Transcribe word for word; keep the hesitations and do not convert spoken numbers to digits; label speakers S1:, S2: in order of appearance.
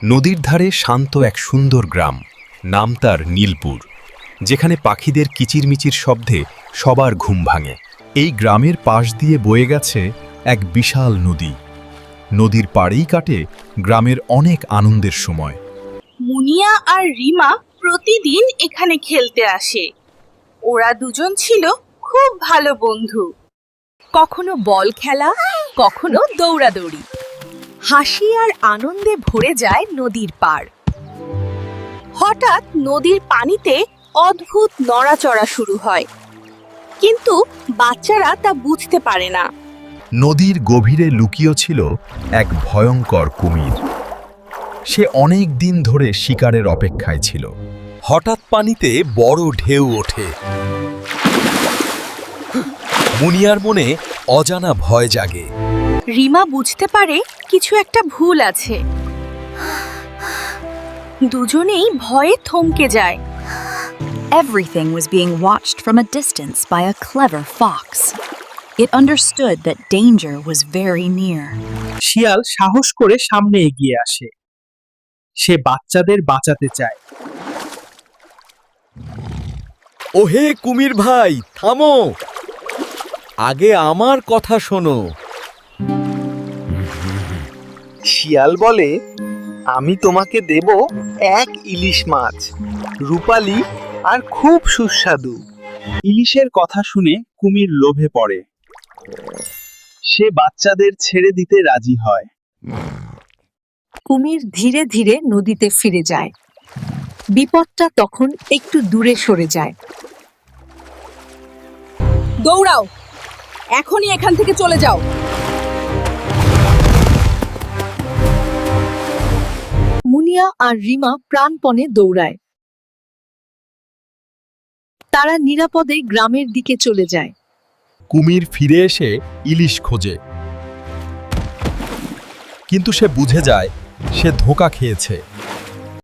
S1: নদীর ধারে শান্ত এক সুন্দর গ্রাম, নাম তার নীলপুর, যেখানে পাখিদের কিচিরমিচির শব্দে সবার ঘুম ভাঙে। এই গ্রামের পাশ দিয়ে বয়ে গেছে এক বিশাল নদী। নদীর পাড়েই কাটে গ্রামের অনেক আনন্দের সময়।
S2: মুনিয়া আর রিমা প্রতিদিন এখানে খেলতে আসে। ওরা দুজন ছিল খুব ভালো বন্ধু।
S3: কখনো বল খেলা, কখনো দৌড়াদৌড়ি। হাসি আর আনন্দে ভরে যায় নদীর পাড়।
S2: হঠাৎ নদীর পানিতে অদ্ভুত নড়াচড়া শুরু হয়, কিন্তু বাচ্চারা তা বুঝতে পারে না।
S1: নদীর গভীরে লুকিয়ে ছিল এক ভয়ঙ্কর কুমির। সে অনেক দিন ধরে শিকারের অপেক্ষায় ছিল। হঠাৎ পানিতে বড় ঢেউ ওঠে। মুনিয়ার মনে অজানা ভয় জাগে।
S2: রিমা বুঝতে পারে কিছু একটা ভুল আছে। দুজনেই ভয়ে থমকে যায়।
S4: Everything was being watched from a distance by a clever fox. It understood that danger was very near.
S5: শিয়াল সাহস করে সামনে এগিয়ে আসে। সে বাচ্চাদের বাঁচাতে চায়।
S6: ওহে কুমির ভাই, থামো, আগে আমার কথা শোনো।
S7: শিয়াল বলে, আমি তোমাকে দেব এক ইলিশ মাছ, রূপালী আর খুব সুস্বাদু।
S5: ইলিশের কথা শুনে কুমির লোভে পড়ে। সে বাচ্চাদের ছেড়ে দিতে রাজি হয়।
S3: কুমির ধীরে ধীরে নদীতে ফিরে যায়। বিপদটা তখন একটু দূরে সরে যায়। দৌড়াও, এখনই এখান থেকে চলে যাও। মুনিয়া আর রিমা প্রাণপণে দৌড়ায়। তারা নিরাপদে গ্রামের দিকে চলে যায়।
S1: কুমির ফিরে এসে ইলিশ খোঁজে, কিন্তু সে বুঝে যায় সে ধোঁকা খেয়েছে।